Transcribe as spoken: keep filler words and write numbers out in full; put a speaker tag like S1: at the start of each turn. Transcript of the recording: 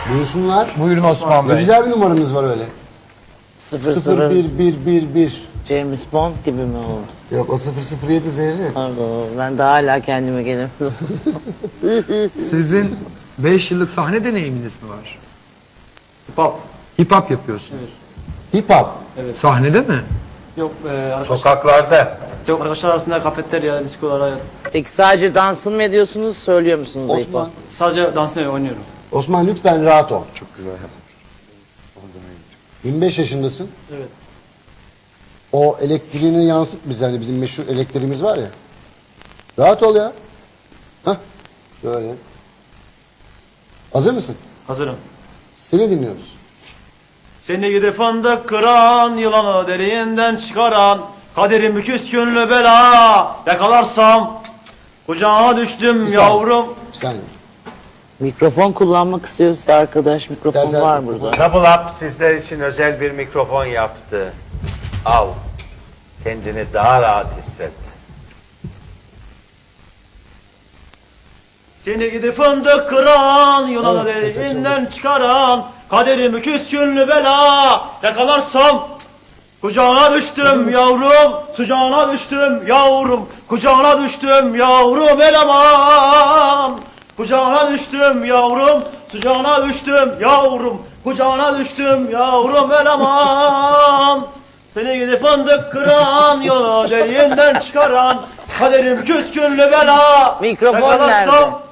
S1: Buyursunlar.
S2: Buyurun Osman
S1: Ne
S2: Bey.
S1: güzel bir numaranız var öyle.
S3: Sıfır
S1: sıfır
S3: sıfır
S1: bir bir bir bir.
S3: James Bond gibi mi oldu?
S1: Yok o sıfır sıfır yedi Zehri.
S3: Pardon, ben daha hala kendime gelemedim.
S2: Sizin beş yıllık sahne deneyiminiz mi var?
S4: Hip hop.
S2: Hip hop yapıyorsunuz.
S1: Hip hop.
S2: Sahnede mi?
S4: Yok e, arkadaşlar,
S2: Sokaklarda.
S4: yok arkadaşlar arasında kafeterya, diskolara
S3: Peki sadece dansın mı ediyorsunuz, söylüyor musunuz? hip hop?
S1: Osman.
S4: sadece dansını oynuyorum.
S1: Osman lütfen rahat ol.
S2: Çok güzel yaptın.
S1: yirmi beş yaşındasın.
S4: Evet.
S1: O elektriğini yansıt bize, hani bizim meşhur elektriğimiz var ya. Rahat ol ya. Hah. Böyle. Hazır mısın?
S4: Hazırım.
S1: Seni dinliyoruz.
S4: Seni gidip fındık kıran, yılanı derinden çıkaran, kaderim küskünlü bela, yakalarsam cık cık, kucağına düştüm
S1: Bir
S4: yavrum.
S1: Bir saniye.
S3: Mikrofon kullanmak istiyorsa arkadaş, mikrofon
S1: İstersen-
S3: var burada.
S5: Double Up sizler için özel bir mikrofon yaptı. Al. Kendini daha rahat hisset.
S4: Seni gidip fındık kıran, yılanı
S1: Evet, ses
S4: derinden çıkaran, kaderim küskünlü bela, yakalarsam cık cık, kucağına düştüm yavrum, sıcağına düştüm yavrum, kucağına düştüm yavrum eleman. Kucağına düştüm yavrum, sıcağına düştüm yavrum, kucağına düştüm yavrum eleman. Seni gidip fındık kıran, yolu deliğinden çıkaran, kaderim küskünlü bela.
S3: Mikrofon
S4: Yakalarsam
S3: nerede?